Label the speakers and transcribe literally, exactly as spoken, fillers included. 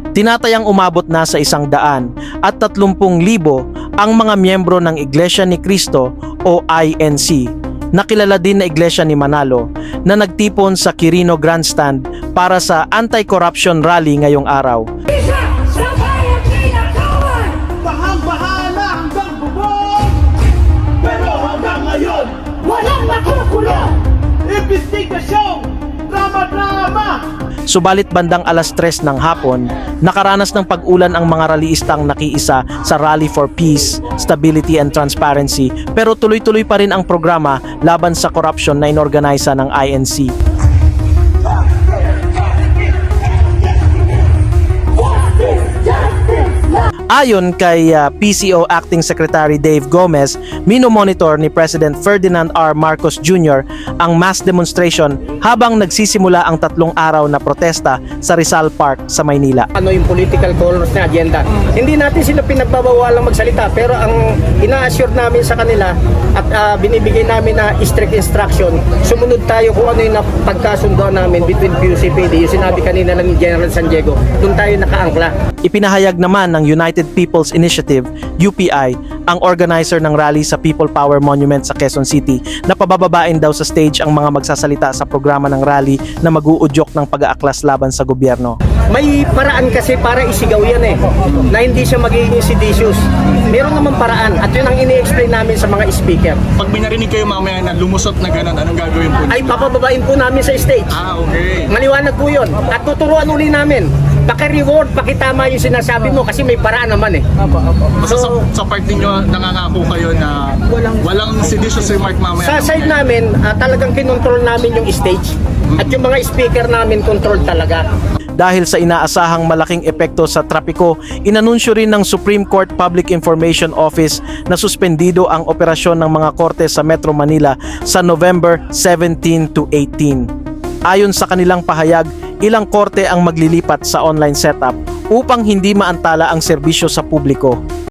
Speaker 1: Tinatayang umabot na sa isang daan at tatlumpung libo ang mga miyembro ng Iglesia ni Cristo o I N C, na kilala din na Iglesia ni Manalo, na nagtipon sa Quirino Grandstand para sa anti-corruption rally ngayong araw.
Speaker 2: Isa sa bayang kinakawan!
Speaker 3: Bahang-bahala hanggang bubong! Pero hanggang ngayon,
Speaker 2: Walang makukulong!
Speaker 3: investigasyong drama-drama!
Speaker 1: Subalit bandang alas tres ng hapon, nakaranas ng pag-ulan ang mga rallyistang nakiisa sa Rally for Peace, Stability and Transparency, pero tuloy-tuloy pa rin ang programa laban sa korupsyon na inorganisa ng I N C. Ayon kay uh, P C O Acting Secretary Dave Gomez, minomonitor ni President Ferdinand R. Marcos Junior ang mass demonstration habang nagsisimula ang tatlong araw na protesta sa Rizal Park sa Maynila.
Speaker 4: Ano yung political colors na agenda. Hindi natin sila pinagbabawalang magsalita, pero ang ina-assure namin sa kanila at uh, binibigay namin na strict instruction, sumunod tayo kung ano yung pagkasundo namin between P U C P D, yung sinabi kanina lang ni General San Diego, doon tayo nakaangkla.
Speaker 1: Ipinahayag naman ng United People's Initiative, U P I, ang organizer ng rally sa People Power Monument sa Quezon City, na pabababain daw sa stage ang mga magsasalita sa programa ng rally na mag-uudyok ng pag-aaklas laban sa gobyerno.
Speaker 4: May paraan kasi para isigaw yan eh, na hindi siya magiging seditious. Meron naman paraan at yun ang ini-explain namin sa mga speaker.
Speaker 5: Pag may narinig kayo mamaya na lumusot na gano'n, anong gagawin po?
Speaker 4: Ay papababain po namin sa stage.
Speaker 5: Ah, okay.
Speaker 4: Maliwanag po yun. At tuturuan uli namin. Paki-reward, pakitama yung sinasabi mo kasi may paraan naman eh.
Speaker 5: Basta sa, sa part ninyo, nangangako kayo na walang, walang seditious remark mamaya.
Speaker 4: Sa side namin, uh, talagang kinontrol namin yung stage. At yung mga speaker namin, control talaga.
Speaker 1: Dahil sa inaasahang malaking epekto sa trapiko, inanunsyo rin ng Supreme Court Public Information Office na suspendido ang operasyon ng mga korte sa Metro Manila sa November seventeen to eighteen. Ayon sa kanilang pahayag, ilang korte ang maglilipat sa online setup upang hindi maantala ang serbisyo sa publiko.